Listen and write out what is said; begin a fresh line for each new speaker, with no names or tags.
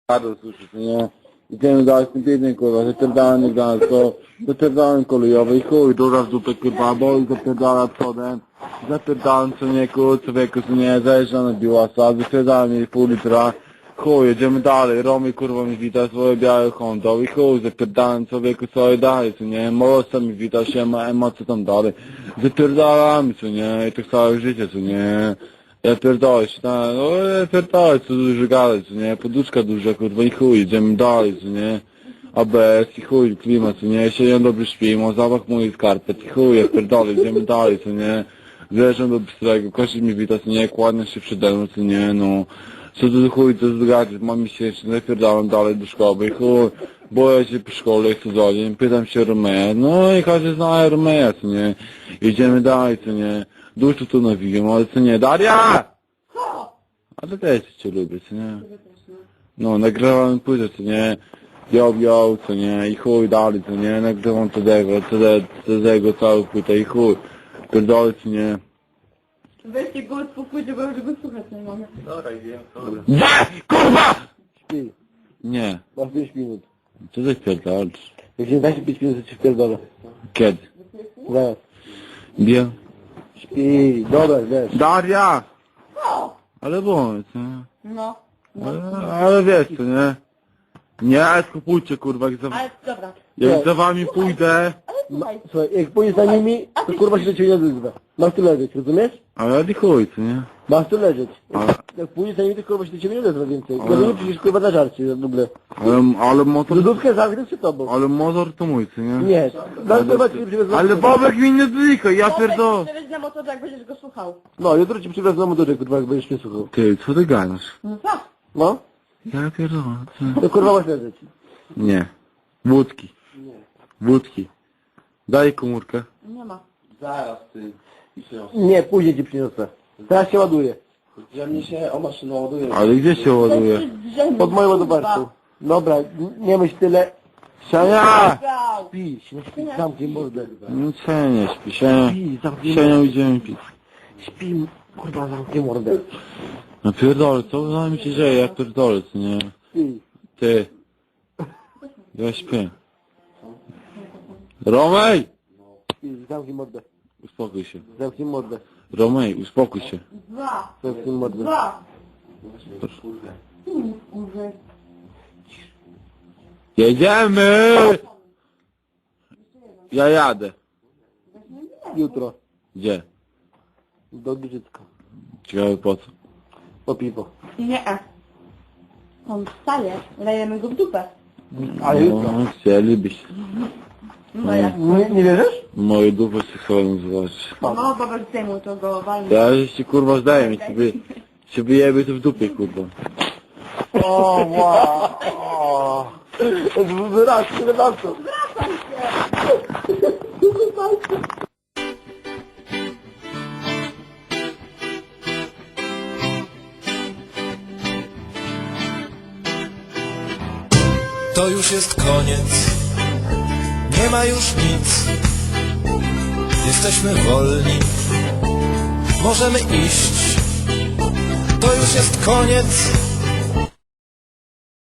Radość słyszysz, nie? Idziemy dalej z tym biednym, kurwa, zapierdalany gazdo, zapierdalany kolejowy i chuj, duża w dupę, kurwa, bo i zapierdala przodem, zapierdalam co nie, kurwa, człowieku, co nie, zajeżdża na biłasa, zapierdala mi pół litra, chuj, jedziemy dalej, Romy, kurwa, mi wita swoje białe Hondą i chuj, zapierdalam człowieku, co dalej, co nie, Molosa mi wita się, ma co tam dalej, zapierdalamy, co nie, i tak całe życie, co nie. Ja pierdolę się, no ja pierdolę, co dużo gadać, co nie, poduszka duża, kurwa i chuj, idziemy dalej, co nie, ABS i chuj, klimat, co nie, się dobrze śpi, mam zapach moich skarpet i chuj, ja pierdolę, idziemy dalej, co nie, zjeżdżam do Bystrego, kościół mi wita, co nie, kładnie się przede mną, co nie, no, co tu chuj, co zgadać, mam miesięczny, zapierdalam dalej do szkoły i chuj, boję się po szkole, chcę za dzień, pytam się Romeja, no i każdy zna Romeja, co nie, idziemy dalej, co nie. Dużo tu nawijam, ale co nie, Daria! Ale też cię lubię, co nie? No, nagrywam płytę, co nie? Yo, co nie? I chuj dalej, co nie? Nagrywam tego całą płytę i chuj. Pierdolę, co nie?
Weźcie go od pokój, bo już go słuchać nie mogę.
Dobra, idę.
Kurwa!
Śpi.
Nie.
Masz 5 minut.
Co ty pierdolisz?
Jak nie da się 5 minut, to ci wpierdolę.
Kiedy?
Zaraz.
Wiem.
Śpi. Dobra, wiesz.
Daria! Ale bądź, co nie?
No.
Ale wiesz, co nie? Nie, skupujcie, kurwa, jak za,
Ale dobra.
jak za wami pójdę.
Ale słuchaj.
Słuchaj, jak pójdziesz za nimi, to kurwa się do ciebie nie odezwa. Masz tu leżeć, rozumiesz?
Ale nie chuj, co nie?
Masz tu leżeć.
Ale,
Jak pójdziesz za nimi, to kurwa się do ciebie nie odezwa więcej. Bo nie przecież kurwa na żarcie w ogóle.
ale motor...
Lodówkę zamknę przed tobą.
Ale motor to mój, co nie?
Nie. Zaraz kurwa ci przywiozę.
Ale Bobek mi nie zlika, ja pierdolę.
Nawet na motorze, jak będziesz go słuchał.
No, jutro ci przywiozę na motorze, kurwa, jak będziesz mnie słuchał.
Ty, co ty gadasz?
No co?
No?
Ja pierdolę, co?
To kurwa masz leżeć.
Nie. Wódki. Wódki. Daj komórkę.
Nie ma.
Zaraz ty. Nie, później ci przyniosę. Teraz się ładuje. Ja mnie się o maszynę ładuje.
Ale gdzie się ładuje?
Pod moją ładowarką. Dobra, nie myśl tyle.
Siania!
Śpi, śpi, zamknij mordę.
No co nie śpi, Siania.
Śpi, zamknij
Siania
mordę.
idziemy pić.
Śpi, kurwa, zamknij mordę.
No pierdolę, co za mi się dzieje, ja pierdolę, co nie?
Śpi.
Ty. Ja śpię. Romej!
Śpi, zamknij mordę.
Uspokój się.
Zamknij mordę.
Romej, uspokój się.
Dwa.
Zamknij mordę.
Dwa.
Jedziemy! Ja jadę.
Jutro.
Gdzie?
Do Giżycka.
Ciekawe po co?
Po piwo.
Nie. On wstaje. Lejemy go w dupę.
Ale jutro.
No, chcielibyście.
No jak?
Nie wierzysz?
Moje dupy się chcą zobaczyć.
No, baba zdejmuj to go walnie.
Ja się kurwa zdaję mi, się wyjebie to w dupie, kurwa.
O, wow. Wyraz, to.
To już jest koniec, nie ma już nic. Jesteśmy wolni, możemy iść. To już jest koniec,